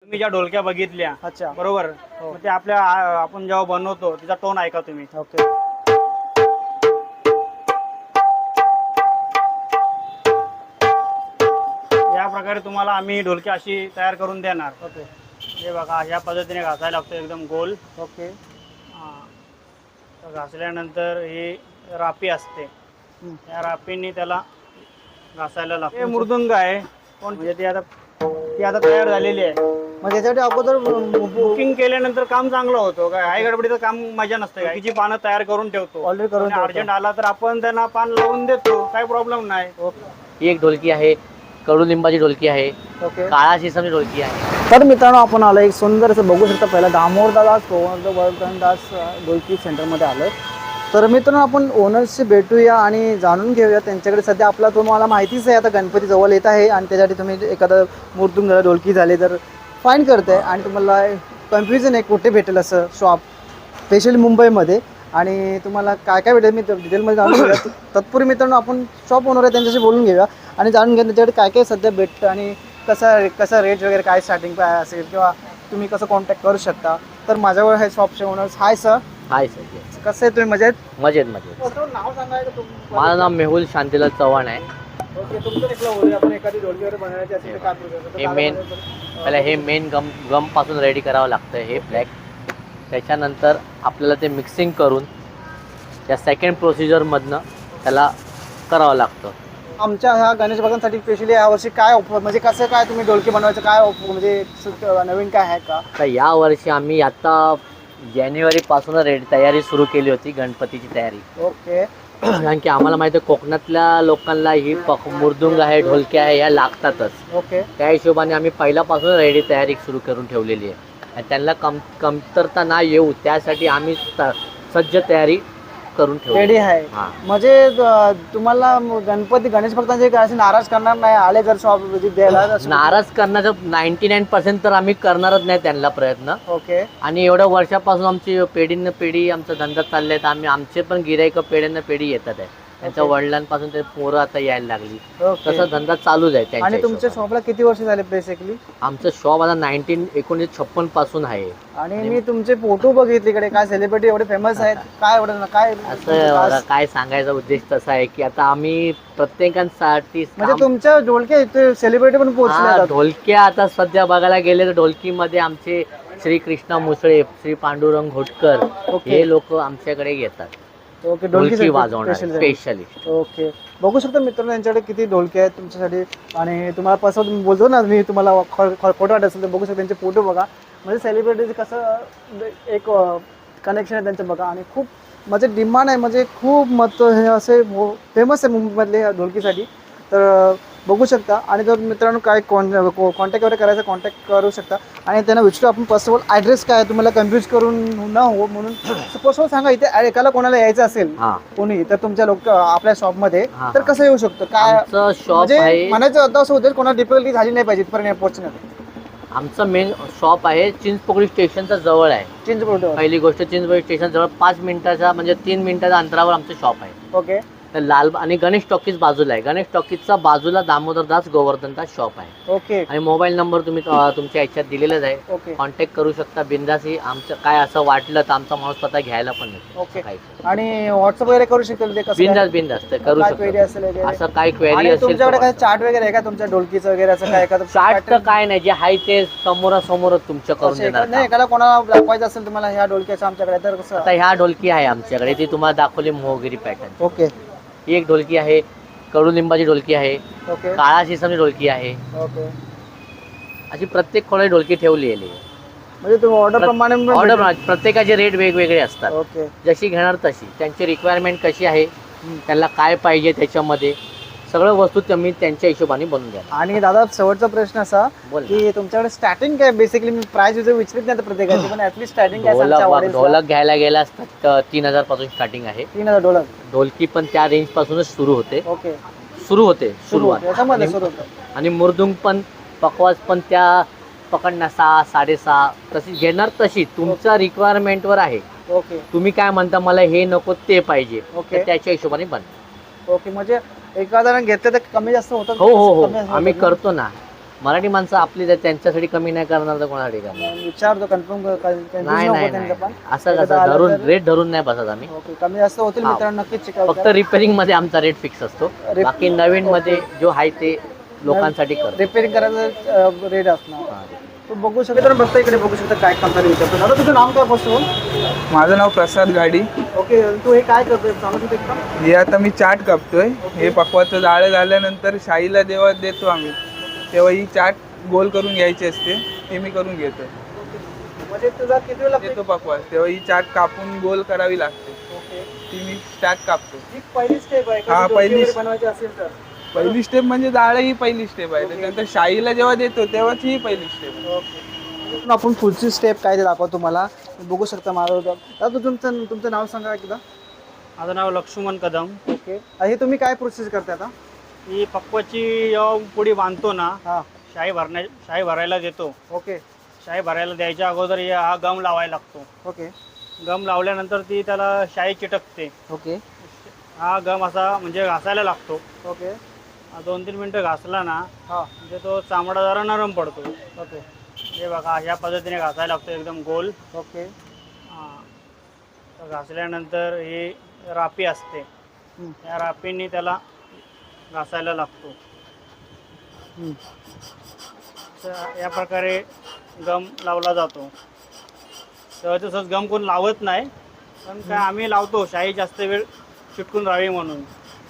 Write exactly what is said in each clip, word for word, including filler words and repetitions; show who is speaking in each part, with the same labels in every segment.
Speaker 1: तुम्ही ज्या ढोलक्या बघितल्या
Speaker 2: अच्छा
Speaker 1: बरोबर,
Speaker 2: हो.
Speaker 1: मग ते आपल्या आ- आपण जेव्हा बनवतो तिचा टोन ऐका तुम्ही.
Speaker 2: ओके
Speaker 1: या प्रकारे तुम्हाला आम्ही ढोलकी अशी तयार करून देणार.
Speaker 2: ओके
Speaker 1: हे बघा या पद्धतीने घासायला लागतं एकदम गोल.
Speaker 2: ओके
Speaker 1: हा. तर घासल्यानंतर ही रापी असते,
Speaker 2: हम्म.
Speaker 1: या रापीने त्याला घासायला लागतं. हे मृदुंग आहे कोण म्हणजे ती आता ती आता तयार झालेली आहे.
Speaker 2: मग याच्यासाठी अगोदर
Speaker 1: बुकिंग केल्यानंतर काम चांगलं होतं. काय आई गडबडीचं काम मजा नसते. काय तिची पानं तयार करून ठेवतो.
Speaker 2: Already करून ठेवतो.
Speaker 1: अर्जंट आला तर आपण त्यांना पान लावून देतो, काही प्रॉब्लेम नाही.
Speaker 3: ही एक ढोलकी आहे, कडुलिंबाची ढोलकी आहे,
Speaker 2: ओके
Speaker 3: काळा शिसमची ढोलकी आहे.
Speaker 2: तर मित्रांनो आपण आलो एक सुंदर असं बघू शकता. पहिला दामोदरदास गोवर्धनदास ढोलकी सेंटरमध्ये आलो. तर मित्रांनो आपण ओनर्सशी भेटूया आणि जाणून घेऊया त्यांच्याकडे. सध्या आपला तुम्हाला माहितीच आहे आता गणपती जवळ येत आहे आणि त्यासाठी तुम्ही एखादं मृदुंग झालं ढोलकी झाले तर फाईन करते आणि तुम्हाला कन्फ्युजन आहे कुठे भेटेल असं शॉप स्पेशली मुंबईमध्ये आणि तुम्हाला काय काय भेटेल मी डिटेलमध्ये जाणून घेऊया. तत्पूर्वी मित्रांनो आपण शॉप ओनर आहे त्यांच्याशी बोलून घेऊया आणि जाणून घ्या त्यांच्याकडे काय काय सध्या भेटतं आणि कसा कसा रेट वगैरे काय स्टार्टिंग काय असेल किंवा तुम्ही कसं कॉन्टॅक्ट करू शकता. तर माझ्यावर आहे शॉपचे owners. Hi sir.
Speaker 3: Hi sir.
Speaker 2: कसं आहे तुम्ही मजेत?
Speaker 3: मजेत मजेत.
Speaker 2: नाव सांगायचं तुम-
Speaker 3: माझं नाव मेहुल शांतीलाल चव्हाण आहे.
Speaker 2: ओके तुमचं देखील बोलूया आपण एखादी ढोलकी वगैरे बनवायची असेल तर काय process आहे?
Speaker 3: हे मेन पहिला हे मेन गम गमपासून रेडी करावं लागतं हे फ्लॅग. त्याच्यानंतर आपल्याला ते मिक्सिंग करून त्या सेकंड प्रोसिजरमधनं त्याला करावं लागतं.
Speaker 2: आमच्या ह्या गणेश भगवानसाठी स्पेशली यावर्षी काय ऑफर म्हणजे कसं काय तुम्ही ढोलकी बनवायचं काय offer म्हणजे सु- नवीन काय आहे का?
Speaker 3: तर यावर्षी आम्ही आता जानेवारीपासून रेडी तयारी सुरू केली होती गणपतीची तयारी.
Speaker 2: ओके
Speaker 3: कारण की आम्हाला माहिती आहे कोकणातल्या लोकांना ही पक मृदुंग आहे ढोलक्या आहे ह्या लागतातच.
Speaker 2: ओके
Speaker 3: त्या हिशोबाने आम्ही पहिल्यापासून रेडी तयारी सुरू करून ठेवलेली आहे आणि त्यांना कम कमतरता ना येऊ त्यासाठी आम्ही त- सज्ज तयारी करून ठेवली
Speaker 2: रेडी आहे.
Speaker 3: हां.
Speaker 2: म्हणजे अं, तुम्हाला गणपती गणेश भक्तांचे काय असे नाराज करणार नाही आले जर शॉप विजिट द्यायला असं-
Speaker 3: नाराज करण्याचं नाईन्टी नाईन पर्सेंट तर आम्ही करणारच नाही त्यांना प्रयत्न.
Speaker 2: ओके
Speaker 3: आणि एवढ्या वर्षापासून आमची पिढीनं पिढी आमचा धंदा चालले आहेत. आम्ही आमचे पण गिराईक पिढ्यानं पिढी येतात आहे. त्यांच्या
Speaker 2: ओके.
Speaker 3: वडिलांपासून ते पोरं आता यायला लागली.
Speaker 2: ओके
Speaker 3: तसा धंदा चालूच आहे त्यांच्या
Speaker 2: आणि तुमच्या
Speaker 3: हिशोबाने.
Speaker 2: शॉपला किती वर्ष झाले बेसिकली?
Speaker 3: आमचं शॉप आता नाईन्टीन एकोणीसशे छप्पन पासून आहे.
Speaker 2: आणि मी तुमचे फोटो बघितले इकडे काय सेलिब्रिटी एवढे फेमस आहेत काय एवढं काय
Speaker 3: असं मला काय सांगायचा उद्देश तसा आहे की आता आम्ही प्रत्येकांसाठी
Speaker 2: म्हणजे
Speaker 3: काम-
Speaker 2: तुमच्या ढोलके इथे सेलिब्रिटी पण
Speaker 3: हा,
Speaker 2: पोहोचले
Speaker 3: ढोलक्या आता सध्या बघायला गेले तर ढोलकीमध्ये आमचे श्री कृष्णा मुसळे, श्री पांडुरंग घोटकर
Speaker 2: ओके.
Speaker 3: हे लोक आमच्याकडे येतात
Speaker 2: ओके
Speaker 3: ढोलकी वाजवणार
Speaker 2: special.
Speaker 3: स्पेशलिस्ट.
Speaker 2: ओके बघू शकता मित्रांनो यांच्याकडे किती ढोलके आहेत तुमच्यासाठी आणि तुम्हाला पसंत बोलतो ना मी तुम्हाला फोटो वाटत असेल तर बघू शकता त्यांचे फोटो बघा. म्हणजे सेलिब्रिटीज कसं एक कनेक्शन आहे त्यांचं बघा आणि खूप म्हणजे डिमांड आहे म्हणजे खूप मत हे असे फेमस आहे मुंबईमधले या ढोलकीसाठी. तर बघू शकता आणि जर मित्रांनो काय कॉन कॉन्टॅक्ट वगैरे करायचं कॉन्टॅक्ट करू शकता आणि त्यांना विचारू आपण फर्स्ट ऑफ ऑल ॲड्रेस काय आहे तुम्हाला कन्फ्यूज करून न हो म्हणून फर्स्ट ऑफ ऑल सांगा इथे एकाला कोणाला यायचं असेल
Speaker 3: हा,
Speaker 2: कोणी तर तुमच्या लोक आपल्या शॉपमध्ये
Speaker 3: हा,
Speaker 2: तर
Speaker 3: हा.
Speaker 2: कसं येऊ शकतं काय
Speaker 3: आमचं शॉप
Speaker 2: म्हणजे
Speaker 3: आहे
Speaker 2: म्हणायचं होतं असं होतं कोणाला डिफिकल्टी झाली नाही पाहिजे इथपर्यंत पोहोचण्यात.
Speaker 3: आमचं मेन शॉप आहे चिंचपोकळी स्टेशनच्या जवळ आहे.
Speaker 2: चिंचपोकळी
Speaker 3: पहिली गोष्ट चिंचपोकळी स्टेशन जवळ पाच मिनिटाच्या म्हणजे तीन मिनिटाच्या अंतरावर आमचं शॉप आहे.
Speaker 2: ओके
Speaker 3: तर लाल आणि गणेश टॉकीज बाजूला आहे. गणेश टॉकीजचा बाजूला दामोदरदास गोवर्धनदास शॉप आहे.
Speaker 2: ओके
Speaker 3: आणि मोबाईल नंबर तुम्ही अं, तुमच्या ह्याच्यात दिलेलाच आहे.
Speaker 2: ओके
Speaker 3: कॉन्टॅक्ट करू शकता बिंदासी. आमचं काय असं वाटलं तर आमचा माणूस स्वतः घ्यायला पण येतो.
Speaker 2: ओके.
Speaker 3: काही
Speaker 2: आणि व्हॉट्सअप वगैरे करू शकतील ते कसं
Speaker 3: बिंदास बिंदास ते करू
Speaker 2: काय क्वेरी
Speaker 3: शकतो.
Speaker 2: असेल वगैरे
Speaker 3: असं काय क्वेरी
Speaker 2: आणि
Speaker 3: असेल
Speaker 2: तुमच्याकडे काय
Speaker 3: तर
Speaker 2: चार्ट वगैरे आहे का तुमच्या ढोलकीचं वगैरे असं काय एखादं
Speaker 3: चार्ट तर काय नाही जे आहे ते समोरासमोरच तुमच्या करून
Speaker 2: असं
Speaker 3: देणार
Speaker 2: एका- नाही
Speaker 3: काम.
Speaker 2: एखादा कोणाला दाखवायचं असेल तुम्हाला ह्या ढोलकीचं आमच्याकडे तर कसं
Speaker 3: आता ह्या ढोलकी आहे आमच्याकडे ती तुम्हाला दाखवली मोहगिरी पॅटर्न.
Speaker 2: ओके
Speaker 3: ही एक ढोलकी आहे, कडुलिंबाची ढोलकी आहे,
Speaker 2: ओके
Speaker 3: काळा शिसमची ढोलकी आहे.
Speaker 2: ओके
Speaker 3: अशी प्रत्येक खोळी ढोलकी ठेवली आहे.
Speaker 2: म्हणजे तुम्ही ऑर्डर प्रमाणे पण
Speaker 3: ऑर्डर
Speaker 2: भेटेल?
Speaker 3: प्रत्येकाचे रेट वेगवेगळे असतात.
Speaker 2: ओके
Speaker 3: जशी घेणार तशी त्यांची रिक्वायरमेंट कशी आहे त्यांना काय पाहिजे त्याच्यामध्ये सगळं वस्तू तुम्ही त्यांच्या हिशोबाने बनवून द्या.
Speaker 2: आणि दादा शेवटचा प्रश्न असा
Speaker 3: बोल ना.
Speaker 2: की तुमच्याकडे स्टार्टिंग काय बेसिकली मी प्राइस विचार विचारत नाही आता प्रत्येकाची पण ऍटलीस्ट स्टार्टिंग काय
Speaker 3: ढोलक
Speaker 2: सांगता
Speaker 3: बघ,
Speaker 2: audience ला?
Speaker 3: ढोलक घ्यायला गेला असतात तर तीन हजार पासून स्टार्टिंग आहे.
Speaker 2: तीन हजार डॉलर
Speaker 3: ढोलकी पण त्या रेंज पासूनच सुरू होते
Speaker 2: ओके
Speaker 3: सुरू होते
Speaker 2: सुरू
Speaker 3: सुरुवात.
Speaker 2: याच्यामध्ये
Speaker 3: आणि-
Speaker 2: सुरू होतं
Speaker 3: आणि मुरदुंग पण पकवाज पण त्या पकडणार सहा साडेसहा तशी घेणार तशी तुमच्या रिक्वायरमेंटवर आहे.
Speaker 2: ओके
Speaker 3: तुम्ही काय म्हणता मला हे नको ते पाहिजे
Speaker 2: ओके.
Speaker 3: तर त्याच्या हिशोबाने बन.
Speaker 2: ओके म्हणजे एखाद्यानं घेतलं तर कमी जास्त होतं
Speaker 3: हो हो हो
Speaker 2: कमी जास्त
Speaker 3: आम्ही
Speaker 2: होतं ना?
Speaker 3: करतो ना. मराठी माणसं आपली त्या- त्यांच्यासाठी कमी नाही करणार तर कोणासाठी करणार?
Speaker 2: विचारतो कन्फर्म
Speaker 3: नाही नाही नाही
Speaker 2: पण
Speaker 3: असं
Speaker 2: एकदा
Speaker 3: कसं
Speaker 2: आलं
Speaker 3: धरून
Speaker 2: तर-
Speaker 3: रेट धरून नाही बसत आम्ही.
Speaker 2: ओके कमी जास्त होतील
Speaker 3: हा.
Speaker 2: मित्रांनो, नक्कीच चेकआउट
Speaker 3: फक्त रिपेअरिंग मध्ये आमचा रेट फिक्स असतो.
Speaker 2: Rep-
Speaker 3: बाकी नवीन मध्ये जो आहे ते लोकांसाठी करतो.
Speaker 2: रिपेअरिंग करायचं रेट असणार.
Speaker 3: हा.
Speaker 2: तो बघू शकता तर बघता इकडे बघू शकता काय कंपनी विचारतो. दादा तुझं नाव काय पासून?
Speaker 4: माझं नाव प्रसाद गाडी.
Speaker 2: ओके तू हे काय करतोय सांगू शकतो एकदम?
Speaker 4: हे आता मी चाट कापतोय. हे पकवाचं जाळं झाल्यानंतर शाईला जेव्हा देतो आम्ही तेव्हा ही चाट गोल करून घ्यायची असते, ती मी करून घेतो.
Speaker 2: म्हणजे तुझा किती वेळ लागतो?
Speaker 4: देतो पकवास तेव्हा ही चाट कापून गोल करावी लागते,
Speaker 2: ओके
Speaker 4: ती मी चाट कापतो.
Speaker 2: ही पहिली स्टेप आहे
Speaker 4: हा,
Speaker 2: का?
Speaker 4: पहिली-
Speaker 2: डोकी बनवायची असेल तर
Speaker 4: पहिली स्टेप म्हणजे जाळं ही पहिली स्टेप आहे. त्याच्यानंतर शाईला जेव्हा देतो तेव्हाच ही पहिली स्टेप आहे.
Speaker 2: ओके आपण पुढची स्टेप काय ते दाखवतो तुम्हाला. बघू शकता माझं. दादा तू तुमचं तुमचं नाव सांगा एकदा.
Speaker 1: माझं नाव लक्ष्मण कदम.
Speaker 2: ओके हे तुम्ही काय प्रोसेस करताय आता?
Speaker 1: ही पक्वाची जेव्हा पुडी बांधतो ना,
Speaker 2: हां
Speaker 1: शाई भरण्या शाई भरायला देतो.
Speaker 2: ओके
Speaker 1: शाई भरायला द्यायच्या अगोदर हे हा गम लावायला लागतो.
Speaker 2: ओके
Speaker 1: गम लावल्यानंतर ती त्याला शाई चिटकते.
Speaker 2: ओके
Speaker 1: हा गम असा म्हणजे घासायला लागतो.
Speaker 2: ओके
Speaker 1: हा दोन तीन मिनटं घासला ना
Speaker 2: हां
Speaker 1: म्हणजे तो चामडा जरा नरम पडतो.
Speaker 2: ओके
Speaker 1: हे बघा अशा पद्धतीने घासायला लागतो एकदम गोल.
Speaker 2: ओके
Speaker 1: हां तर घासल्यानंतर ही रापी असते,
Speaker 2: हं.
Speaker 1: त्या रापीने त्याला घासायला लागतो.
Speaker 2: हं.
Speaker 1: तर या प्रकारे गम लावला जातो. तर तसंच गम कोण लावत नाही, पण काय आम्ही लावतो शाई जास्त वेळ चिटकून राहावी म्हणून.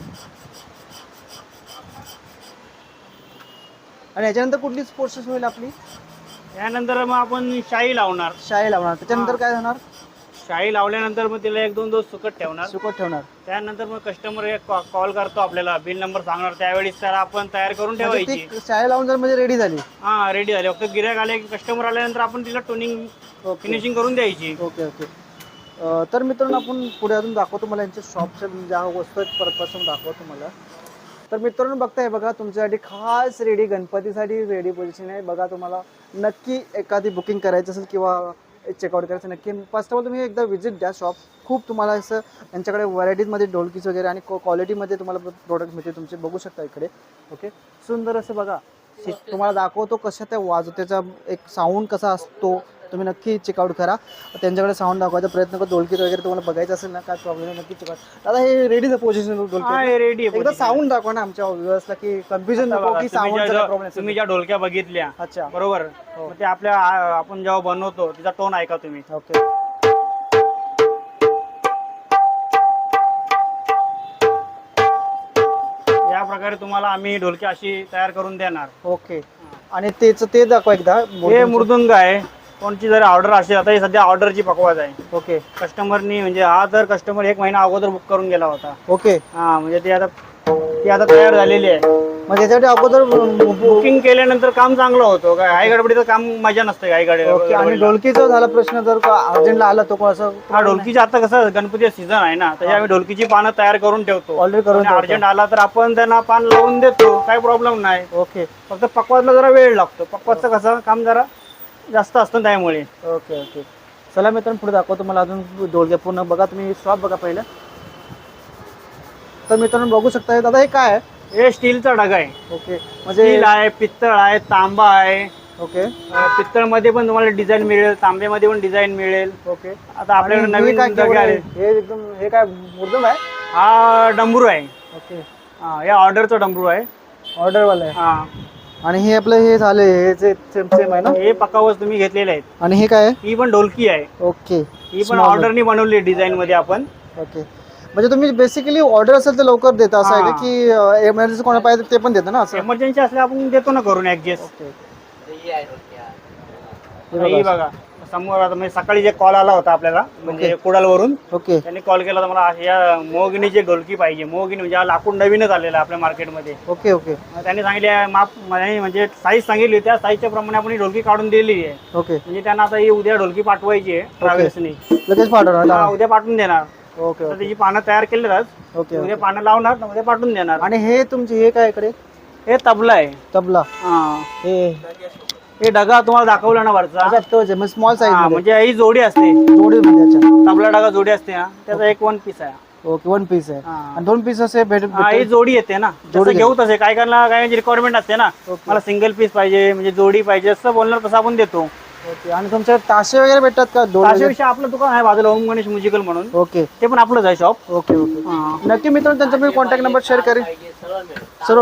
Speaker 2: आणि याच्यानंतर कुठलीच प्रोसेस होईल आपली?
Speaker 1: त्यानंतर मग आपण शाई लावणार.
Speaker 2: शाई लावणार. त्याच्यानंतर
Speaker 1: हां.
Speaker 2: काय होणार?
Speaker 1: शाई लावल्यानंतर मग तिला एक दोन दिवस सुकत ठेवणार.
Speaker 2: सुकट ठेवणार.
Speaker 1: त्यानंतर मग कस्टमर एक कॉल करतो आपल्याला, बिल नंबर सांगणार, त्यावेळेस त्याला आपण तयार करून
Speaker 2: म्हणजे
Speaker 1: ठेवायची.
Speaker 2: ती शाई लावून जर म्हणजे रेडी झाली.
Speaker 1: हां रेडी झाली. फक्त गिऱ्हाईक आले की कस्टमर आल्यानंतर आपण तिला टोनिंग
Speaker 2: ओके
Speaker 1: फिनिशिंग करून द्यायची.
Speaker 2: ओके ओके अं, तर मित्रांनो आपण पुढे अजून दाखवतो मला यांच्या शॉपच्या ज्या वस्तू आहेत परतपासून दाखवतो मला. तर मित्रांनो बघताय बघा तुमच्यासाठी खास रेडी गणपतीसाठी रेडी पोझिशन आहे. बघा तुम्हाला नक्की एखादी बुकिंग करायची असेल किंवा चेकआउट करायचं नक्की फर्स्ट ऑफ ऑल तुम्ही एकदा व्हिजिट द्या शॉप. खूप तुम्हाला असं यांच्याकडे व्हरायटीजमध्ये ढोलकीज वगैरे आणि क्वालिटीमध्ये तुम्हाला प्रोडक्ट मिळते तुमचे. बघू शकता इकडे. ओके सुंदर असं बघा तुम्हाला दाखवतो कशा त्या वाजव त्याचा एक साऊंड कसा असतो. तुम्ही नक्की चेकआउट करा. त्यांच्याकडे साऊंड दाखवायचा प्रयत्न करा. ढोलकीत वगैरे तुम्हाला बघायचं असेल ना काय प्रॉब्लेम नक्की चेकआउट. दादा हे रेडीचं पोझिशन
Speaker 1: हा
Speaker 2: ढोलकी
Speaker 1: रेडी
Speaker 2: एकदा साऊंड दाखवा ना आमच्या व्ह्युअर्सला की कन्फ्युजन नको की साऊंडचा प्रॉब्लेम.
Speaker 1: तुम्ही ज्या ढोलक्या बघितल्या
Speaker 2: अच्छा
Speaker 1: बरोबर,
Speaker 2: हो.
Speaker 1: मग ते आपल्या आ- आपण जेव्हा बनवतो तिचा टोन ऐका तुम्ही.
Speaker 2: ओके
Speaker 1: या प्रकारे तुम्हाला आम्ही ढोलकी अशी तयार करून देणार.
Speaker 2: ओके आणि तेच ते दाखवा एकदा.
Speaker 1: हे मृदुंग आहे. कोणची जर ऑर्डर असेल, आता ही सध्या ऑर्डरची पकवाज आहे.
Speaker 2: ओके
Speaker 1: कस्टमरनी म्हणजे हा तर कस्टमर एक महिना अगोदर बुक करून गेला होता.
Speaker 2: ओके
Speaker 1: हा म्हणजे ती आता ती आता तयार झालेली आहे.
Speaker 2: मग त्याच्यासाठी अगोदर
Speaker 1: बुकिंग केल्यानंतर काम चांगलं होतं. काय आई गडबडीचं काम मजा नसते आई
Speaker 2: ओके. आणि
Speaker 1: गडबडीला.
Speaker 2: ढोलकीचा झाला प्रश्न जर अर्जंटला आला तो कोण असं
Speaker 1: हा ढोलकीची आता कसं गणपती सीझन आहे ना, त्याच्या आम्ही ढोलकीची पानं तयार करून ठेवतो.
Speaker 2: ऑलरेडी करून ठेवतो.
Speaker 1: अर्जंट आला तर आपण त्यांना पान लावून देतो, काही प्रॉब्लेम नाही.
Speaker 2: ओके
Speaker 1: फक्त पकवाजला जरा वेळ लागतो. पकवाजचं कसं काम जरा जास्त असतं त्यामुळे.
Speaker 2: ओके ओके चला मित्रांनो पुढे दाखवतो मला अजून ढोलक्या पूर्ण. बघा तुम्ही शॉप बघा पहिलं. तर मित्रांनो बघू शकता दादा हे काय आहे?
Speaker 1: हे स्टीलचा डगा आहे.
Speaker 2: ओके म्हणजे
Speaker 1: स्टील आहे, पित्तळ आहे, तांबा आहे.
Speaker 2: ओके
Speaker 1: पित्तळ मध्ये पण तुम्हाला डिझाईन मिळेल, तांब्यामध्ये पण डिझाईन मिळेल.
Speaker 2: ओके
Speaker 1: आता आपल्याकडे
Speaker 2: आणि हे
Speaker 1: नवीन
Speaker 2: काय
Speaker 1: डगे
Speaker 2: केवढं
Speaker 1: आले.
Speaker 2: आहे? हे एकदम हे काय मुर्दम आहे?
Speaker 1: हा डमरू आहे.
Speaker 2: ओके
Speaker 1: हा हे ऑर्डरचा डमरू आहे.
Speaker 2: ऑर्डरवाला आहे.
Speaker 1: हा
Speaker 2: आणि हे आपलं हे झाले हे जे सेम सेम आहे ना?
Speaker 1: हे पकावच तुम्ही घेतलेले आहेत.
Speaker 2: आणि हे काय आहे?
Speaker 1: ही पण ढोलकी आहे.
Speaker 2: ओके
Speaker 1: ही पण
Speaker 2: Small
Speaker 1: ऑर्डरनी बनवली डिझाईन मध्ये आपण.
Speaker 2: ओके म्हणजे तुम्ही बेसिकली ऑर्डर असेल तर लवकर देता असं आहे का
Speaker 1: हा.
Speaker 2: की एमर्जन्सी कोणा पाहिजे ते पण देतं ना असं?
Speaker 1: इमर्जन्सी असल्या आपण देतो ना करून ऍडजस्ट.
Speaker 2: ओके
Speaker 1: ही बघा समोर आता म्हणजे सकाळी जे कॉल आला होता आपल्याला म्हणजे कुडालवरून,
Speaker 2: ओके
Speaker 1: त्यांनी कॉल केला होता मला या मोगनीची ढोलकी पाहिजे. मोगनी म्हणजे हा लाकूड नवीनच आलेला आहे आपल्या मार्केटमध्ये.
Speaker 2: ओके ओके
Speaker 1: मग त्यांनी सांगितले माप म्हणजे म्हणजे साईज सांगितली, त्या साईजच्या प्रमाणे आपण ही ढोलकी काढून दिलेली आहे.
Speaker 2: ओके
Speaker 1: म्हणजे त्यांना आता ही उद्या ढोलकी पाठवायची आहे ट्रॅव्हल्सनी.
Speaker 2: लगेच पाठवणार.
Speaker 1: उद्या पाठवून देणार.
Speaker 2: ओके
Speaker 1: तर
Speaker 2: ओके
Speaker 1: त्याची पानं तयार केली आज.
Speaker 2: ओके
Speaker 1: उद्या पानं लावणार तर उद्या पाठवून देणार.
Speaker 2: आणि हे तुमचे हे काय इकडे
Speaker 1: हे तबला आहे.
Speaker 2: तबला
Speaker 1: हा
Speaker 2: हे
Speaker 1: हे डगा तुम्हाला दाखवला ना वरचा.
Speaker 2: अच्छा तोच आहे स्मॉल साईज
Speaker 1: हा,
Speaker 2: मध्ये
Speaker 1: म्हणजे ही जोडी असते.
Speaker 2: जोडी मध्ये. अच्छा
Speaker 1: तबला डगा जोडी असते ना, त्याचा एक वन पीस आहे.
Speaker 2: ओके वन पीस आहे
Speaker 1: हा.
Speaker 2: आणि दोन पीस असे भेट
Speaker 1: हा, ही जोडी येते ना
Speaker 2: जोडी
Speaker 1: जसं घेऊ तसे काय करणार काय रिक्वायरमेंट असते ना
Speaker 2: ओके.
Speaker 1: मला सिंगल पीस पाहिजे म्हणजे जोडी पाहिजे असं बोलणार तसं आपण देतो.
Speaker 2: ओके आणि तुमच्या ताशे वगैरे भेटतात का दोन वगैरे?
Speaker 1: अशाविषयी आपलं दुकान आहे बाजूला ओम गणेश म्युझिकल म्हणून
Speaker 2: ओके
Speaker 1: ते पण आपलंच आहे शॉप.
Speaker 2: ओके ओके नक्की मित्रांनो त्यांचा मी कॉन्टॅक्ट नंबर शेअर करेन. सर्व-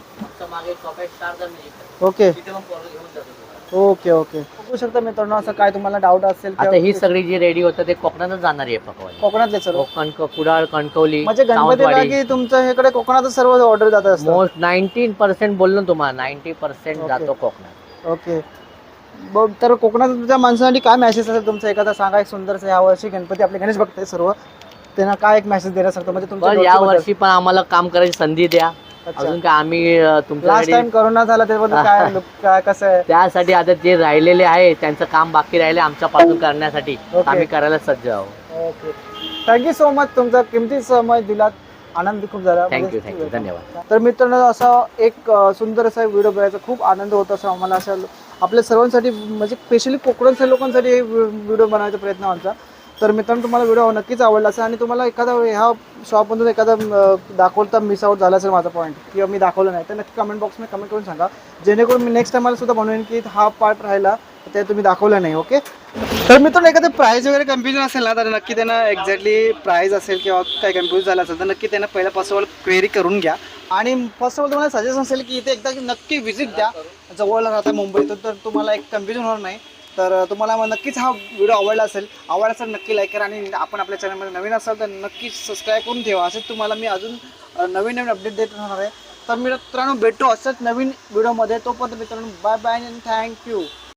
Speaker 2: ओके ओके ओके बघू शकता मित्रांनो असं काय तुम्हाला डाऊट असेल
Speaker 3: आता
Speaker 2: किंवा
Speaker 3: ही सगळी जी रेडी होतं ते कोकणातच जाणार आहे पकवायला.
Speaker 2: कोकणातले सर्व
Speaker 3: कोकण कुडाळ कणकवली
Speaker 2: म्हणजे गणपतीला
Speaker 3: सावंतवाडी
Speaker 2: की तुमच्या इकडे कोकणातच सर्व ऑर्डर जात असतात.
Speaker 3: मोस्ट नाईन्टीन पर्सेंट बोललो ना तुम्हाला नाईन्टी पर्सेंट
Speaker 2: ओके.
Speaker 3: जातो कोकणात.
Speaker 2: ओके बघ तर कोकणातल्या माणसांसाठी काय मेसेज असेल तुमचा एखादा सांगा एक सुंदरसा या वर्षी गणपती आपले गणेश भक्त आहे सर्व त्यांना काय एक मेसेज देण्यास म्हणजे तुमच्या
Speaker 3: पण या
Speaker 2: डोक्याबद्दल?
Speaker 3: वर्षी पण आम्हाला काम करायची संधी द्या.
Speaker 2: अच्छा.
Speaker 3: अजून काय आम्ही अं,
Speaker 2: लास्ट
Speaker 3: तुमच्याकडे
Speaker 2: टाइम करोना झाला त्याबद्दल काय look- काय कसं आहे
Speaker 3: त्यासाठी आता जे राहिलेले आहे त्यांचं काम बाकी राहिले आमच्यापासून करण्यासाठी
Speaker 2: ओके.
Speaker 3: आम्ही करायला सज्ज आहोत.
Speaker 2: ओके थँक्यू सो मच तुमचा किमती समय दिलात आनंद खूप झाला
Speaker 3: थँक्यू
Speaker 2: म्हणजे-
Speaker 3: थँक्यू धन्यवाद.
Speaker 2: तर मित्रांनो असा एक अ, सुंदर असा व्हिडिओ बघायचा खूप आनंद होत असं आम्हाला अशा आपल्या सर्वांसाठी म्हणजे स्पेशली कोकणच्या लोकांसाठी हे व्हिडिओ बनवायचा प्रयत्न आमचा. तर मित्रांनो तुम्हाला व्हिडिओ नक्कीच आवडला असेल आणि तुम्हाला एखादा ह्या शॉपमधून एखादा अ, दाखवता मिस आउट झाला असेल माझा पॉईंट किंवा मी दाखवलं नाही तर नक्की कमेंट बॉक्समध्ये कमेंट करून सांगा जेणेकरून मी नेक्स्ट टाइमला सुद्धा बनवेन की हा पार्ट राहिला तर ते तुम्ही दाखवलं नाही. ओके तर मित्रांनो एखादं प्राईस वगैरे कन्फ्युजन असेल ना तर नक्की त्यांना एक्झॅक्टली प्राईस असेल किंवा काही कन्फ्यूज झालं असेल तर नक्की त्यांना पहिला फर्स्ट ऑफ ऑल क्वेरी करून घ्या आणि फर्स्ट ऑफ ऑल तुम्हाला सजेशन असेल की इथे एकदा नक्की व्हिजिट द्या जवळ राहता मुंबईत तर तुम्हाला एक कन्फ्युजन होणार नाही. तर तुम्हाला मग नक्कीच हा व्हिडिओ आवडला असेल आवडला असेल नक्की लाईक करा आणि आपण आपल्या चॅनलमध्ये नवीन असाल तर नक्कीच सबस्क्राईब करून ठेवा असेच तुम्हाला मी अजून अ, नवीन नवीन अपडेट देत राहणार आहे. तर मित्रांनो भेटू असंच नवीन व्हिडिओमध्ये तोपर्यंत मित्रांनो बाय बाय अँड थँक्यू.